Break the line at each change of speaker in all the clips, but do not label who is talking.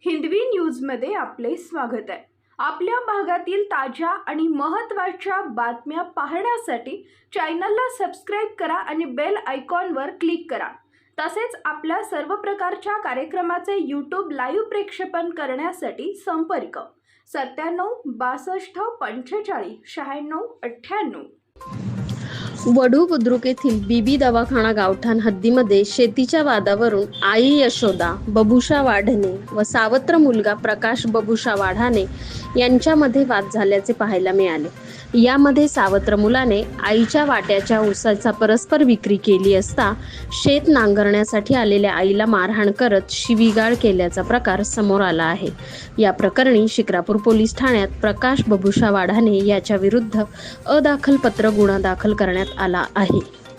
हिंदवी न्यूजमध्ये आपले स्वागत आहे। आपल्या भागातील ताज्या आणि महत्त्वाच्या बातम्या पाहण्यासाठी चॅनलला सबस्क्राइब करा आणि बेल आयकॉनवर क्लिक करा। तसेच आपल्या सर्व प्रकारच्या कार्यक्रमाचे यूट्यूब लाईव्ह प्रक्षेपण करण्यासाठी संपर्क 97 62 45 96 98।
वढू बुद्रुक येथील बीबी दवाखाना गावठाण हद्दीमध्ये शेतीच्या वादावरून आई यशोदा बबुषा वाढणे व सावत्र मुलगा प्रकाश बबुषा वाढाणे यांच्यामध्ये वाद झाल्याचे पाहायला मिळाले। यामध्ये सावत्र मुलाने आईच्या वाट्याच्या ऊसाचा परस्पर विक्री केली असता शेत नांगरण्यासाठी आलेल्या आईला मारहाण करत शिवीगाळ केल्याचा प्रकार समोर आला आहे। या प्रकरणी शिक्रापूर पोलीस ठाण्यात प्रकाश बबुषा वाढाणे याच्या विरुद्ध अदाखल पत्र गुन्हा दाखल करण्यात आला आहे।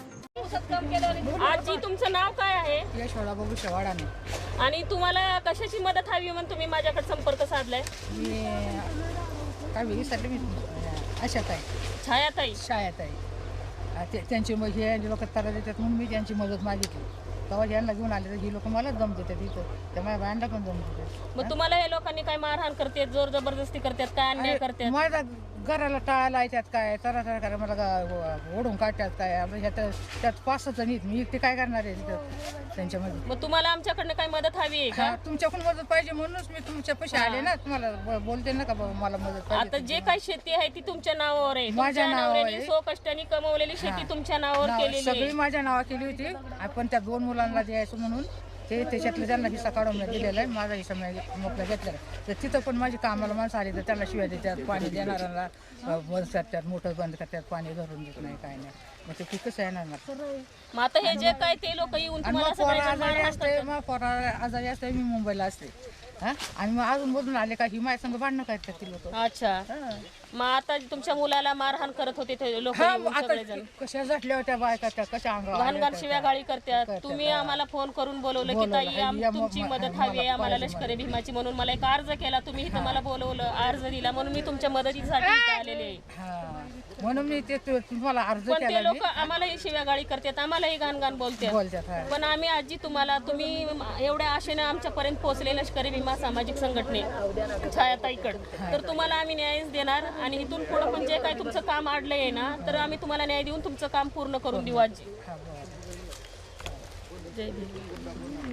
आजी तुमचं नाव काय आहे?
यशोदा बबुषा वाढाणे।
आणि तुम्हाला कशाची मदत हवी म्हणून तुम्ही माझ्याकडे संपर्क साधलाय?
मी काय विचारले मी आशाताई
छायाताई
छायाताई त्यांची मग हे लोक त्रास देतात म्हणून मी त्यांची मदत मागितली। तेव्हा यांना घेऊन आले तर ही लोक मलाच दम देतात इथं, त्या माझ्या बायांना पण दम देतात।
मग तुम्हाला हे लोकांनी काय मारहाण करतात, जोर जबरदस्ती करतात, काय अन्याय करतात?
माझ्या घराला टाळायला येतात काय तरा करा मला ओढून काढतात काय त्यात 5-6 जण आहेत, मी एकटे काय करणार आहे तिथं त्यांच्यामध्ये।
मग तुम्हाला आमच्याकडनं काय मदत हवी आहे का?
तुमच्याकडून मदत पाहिजे म्हणूनच मी तुमच्या पैसे आले ना, तुम्हाला बोलते ना का मला मदत पाहिजे।
आता जे काही शेती आहे ती तुमच्या नावावर आहे,
माझ्या नावावर आहे।
सो कष्टाने कमवलेली शेती तुमच्या नावावर केलेली
सगळी
आहे।
माझ्या नावा केली होती, आपण त्या 2 मुलांना द्यायचं म्हणून ते त्याच्यातलं त्यांना हिस्सा काढून दिलेला आहे, माझा हिस्सा मोकळा घेतलेला आहे। तर तिथं पण माझी कामाला माणसं आली तर त्यांना शिवाय देतात, पाणी देणाऱ्यांना बंद करतात, मोटर बंद करतात, पाणी धरून देत नाही काय नाही, मग ते पिकच येणार ना।
मग आता हे जे काय ते लोक येऊन तुम्हाला सगळ्यांना मारहाण करतात?
मग पोरा आजारी असते, मी मुंबईला असते आणि मग अजून मधून आले का ही माझ्या संग भांडणं करतात ती लोक।
अच्छा, मग आता तुमच्या मुलाला मारहाण करत होते ते लोक सगळेजण
कशा झटल्या होत्या बायका, त्या कशा
घाण शिव्या गाळी करतात। तुम्ही आम्हाला फोन करून बोलवलं की ताई तुमची मदत हवी आहे आम्हाला लष्करी भीमाची, म्हणून मला एक अर्ज केला, तुम्ही इथं मला बोलवलं, अर्ज दिला, म्हणून मी तुमच्या मदतीसाठी इथं आलेले आहे।
म्हणून मी ते तुम्हाला अर्ज
पण ते
केला।
लोक आम्हालाही शिव्या गाळी करतात, आम्हालाही घाण बोलतात। पण आम्ही आजी तुम्ही एवढ्या आशेने आमच्यापर्यंत पोहोचले लष्करी भीमा सामाजिक संघटने छायाताईकडे, तर तुम्हाला आम्ही न्यायच देणार आणि इथून पुढे पण जे काही तुमचं काम अडलंय ना, तर आम्ही तुम्हाला न्याय देऊन तुमचं काम पूर्ण करून देऊ आजी। जय भीम।